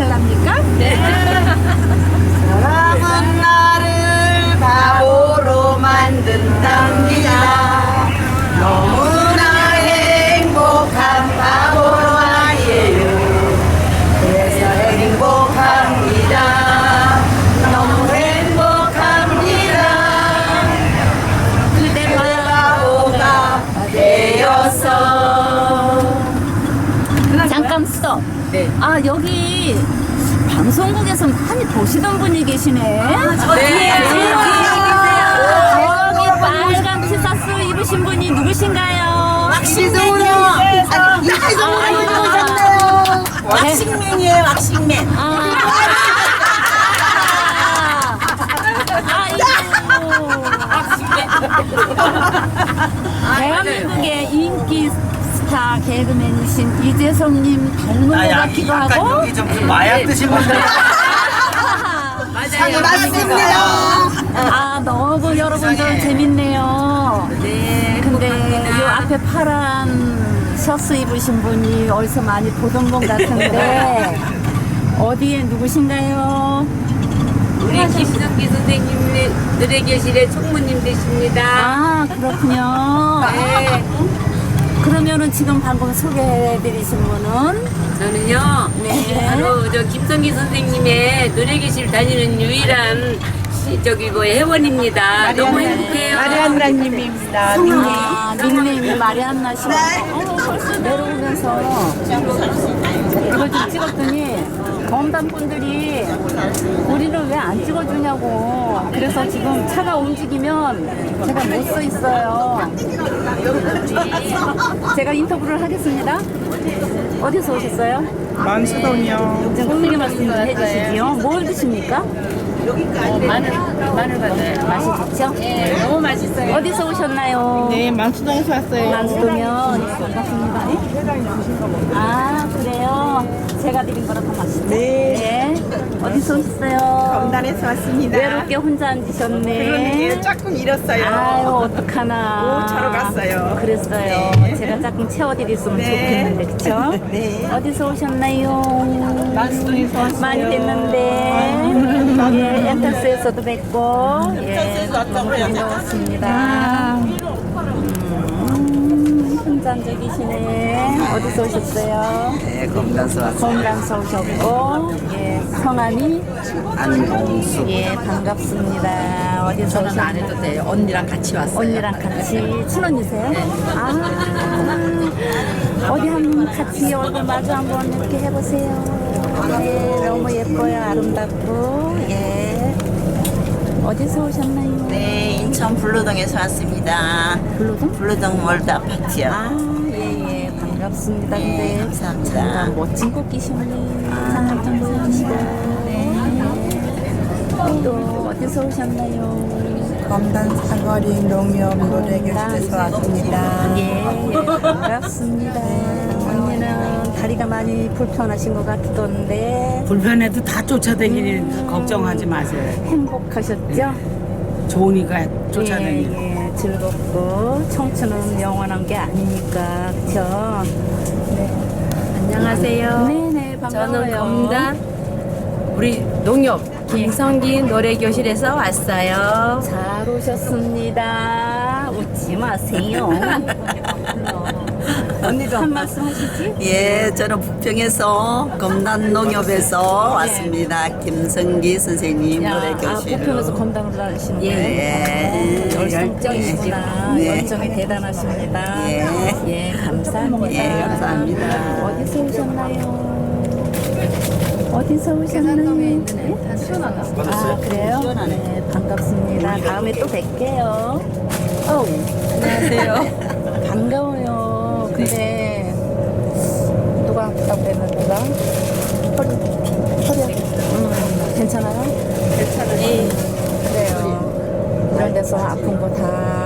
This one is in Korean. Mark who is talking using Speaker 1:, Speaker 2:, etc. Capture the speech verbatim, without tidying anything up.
Speaker 1: 해달랍니까? 네.
Speaker 2: 사랑은 나를 바보로 만든답니다. 너무나 행복한 바보로 아니에요. 그래서 행복합니다. 너무 행복합니다.
Speaker 1: 그대
Speaker 2: 바보가 되었어.
Speaker 1: 잠깐 스톱.
Speaker 3: 네.
Speaker 1: 아 여기 방송국에서 많이 보시던 분이 계시네. 아,
Speaker 3: 네.
Speaker 1: 저기 빨간 티셔츠 입으신 분이 누구신가요?
Speaker 2: 왁싱맨이요. 아니, 이태성으로 오셨네요. 왁싱맨이에요, 왁싱맨.
Speaker 1: 아. 아이고. 대한민국의 인기 스타 개그맨이신 이재성님 닮은 것 같기도 하고.
Speaker 4: 여기 좀 마약 드신 분들
Speaker 3: 맞아요.
Speaker 2: 맞습니다.
Speaker 1: 아 너무 여러분들 재밌네요.
Speaker 3: 네.
Speaker 1: 근데 요 앞에 파란 셔츠 입으신 분이 어디서 많이 보던 분 같은데 어디에 누구신가요?
Speaker 3: 우리 김석기 선생님의 노래교실의 총무님 되십니다.
Speaker 1: 아 그렇군요.
Speaker 3: 네.
Speaker 1: 그러면은 지금 방금 소개해드리신 분은
Speaker 3: 저는요.
Speaker 1: 네.
Speaker 3: 바로 저 김성기 선생님의 노래교실 다니는 유일한 시, 저기 뭐 회원입니다. 너무 행복해요.
Speaker 2: 마리안나님입니다.
Speaker 1: 아, 닉네임이 마리안나 씨가 어, 벌써 내려오면서 이걸 좀 찍었더니 검단 분들이 우리를 왜 안 찍어주냐고. 그래서 지금 차가 움직이면 제가 못 서 있어요. 제가 인터뷰를 하겠습니다. 어디서 오셨어요?
Speaker 2: 만수동이요.
Speaker 1: 좀 크게 말씀 좀 해주시지요. 뭘 드십니까?
Speaker 3: 마늘, 마늘 받아요.
Speaker 1: 맛이 좋죠?
Speaker 3: 네, 너무 맛있어요.
Speaker 1: 어디서 오셨나요?
Speaker 2: 네, 만수동에서 왔어요.
Speaker 1: 만수동면 반갑습니다. 아 그래요? 제가 드린 거라 더 맛있죠?
Speaker 2: 네.
Speaker 1: 네. 어디서 오셨어요?
Speaker 2: 검단에서 왔습니다.
Speaker 1: 외롭게 혼자 앉으셨네.
Speaker 2: 그러니까 조금 잃었어요.
Speaker 1: 아유 어떡하나.
Speaker 2: 오, 차로 갔어요.
Speaker 1: 그랬어요.
Speaker 2: 네.
Speaker 1: 제가 조금 채워드렸으면
Speaker 2: 네.
Speaker 1: 좋겠는데 그쵸?
Speaker 2: 네.
Speaker 1: 어디서 오셨나요?
Speaker 2: 만수동에서 왔어요.
Speaker 1: 많이 됐는데 예, 엔터스에서도 뵙고 예, 너무 반가웠습니다. 음, 혼자 앉아 계시네. 어디서 오셨어요?
Speaker 4: 네, 검단서 왔어요.
Speaker 1: 건강서 오셨고 예, 성함이
Speaker 4: 안봉수.
Speaker 1: 예 반갑습니다. 어디서
Speaker 3: 저는 안
Speaker 1: 오셨나요?
Speaker 3: 해도 돼요. 언니랑 같이 왔어요.
Speaker 1: 언니랑 같이 친언니세요? 아 어디 한번 같이 얼굴 마주 한번 이렇게 해보세요. 네 너무 예뻐요. 아름답고 예 어디서 오셨나요?
Speaker 2: 네, 인천 블루동에서 왔습니다.
Speaker 1: 블루동?
Speaker 2: 블루동 월드 아파트요.
Speaker 1: 아 예예 반갑습니다.
Speaker 2: 네,
Speaker 1: 근데
Speaker 2: 감사합니다.
Speaker 1: 참 멋진 꽃기시네. 상을 좀 보여주시고 네. 또 어디서 오셨나요?
Speaker 2: 검단 사거리 농협 노래교실에서 왔습니다.
Speaker 1: 예, 예, 반갑습니다. 언니는 다리가 많이 불편하신 것 같던데
Speaker 5: 불편해도 다 쫓아다니니 걱정하지 마세요.
Speaker 1: 행복하셨죠?
Speaker 5: 좋으니까 쫓아다니니.
Speaker 1: 예, 예, 즐겁고 청춘은 영원한 게 아니니까 그렇죠? 네.
Speaker 3: 안녕하세요.
Speaker 1: 네네 반가워요.
Speaker 3: 저는 검단 우리 농협 김성기 노래교실에서 왔어요.
Speaker 1: 잘 오셨습니다. 웃지 마세요. 언니도 한 말씀 하시지?
Speaker 2: 예, 저는 부평에서 검단 농협에서 왔습니다. 김성기 선생님
Speaker 1: 야, 아,
Speaker 2: 노래교실.
Speaker 1: 부평에서 건당을 하시는 거예요?
Speaker 2: 예.
Speaker 1: 열정적이시구나.
Speaker 2: 네.
Speaker 1: 열정이 대단하십니다.
Speaker 2: 예.
Speaker 1: 예, 감사합니다.
Speaker 2: 예, 감사합니다.
Speaker 1: 어디서 오셨나요? 어디서 오셨나요? 네? 아, 그래요? 네, 반갑습니다. 다음에 또 뵐게요. 어우, 안녕하세요. 반가워요. 근데 누가 아프다고 그랬는가? 허리, 허리, 음, 괜찮아요? 괜찮아요. 그래요. 이런 데서 아픈 거 다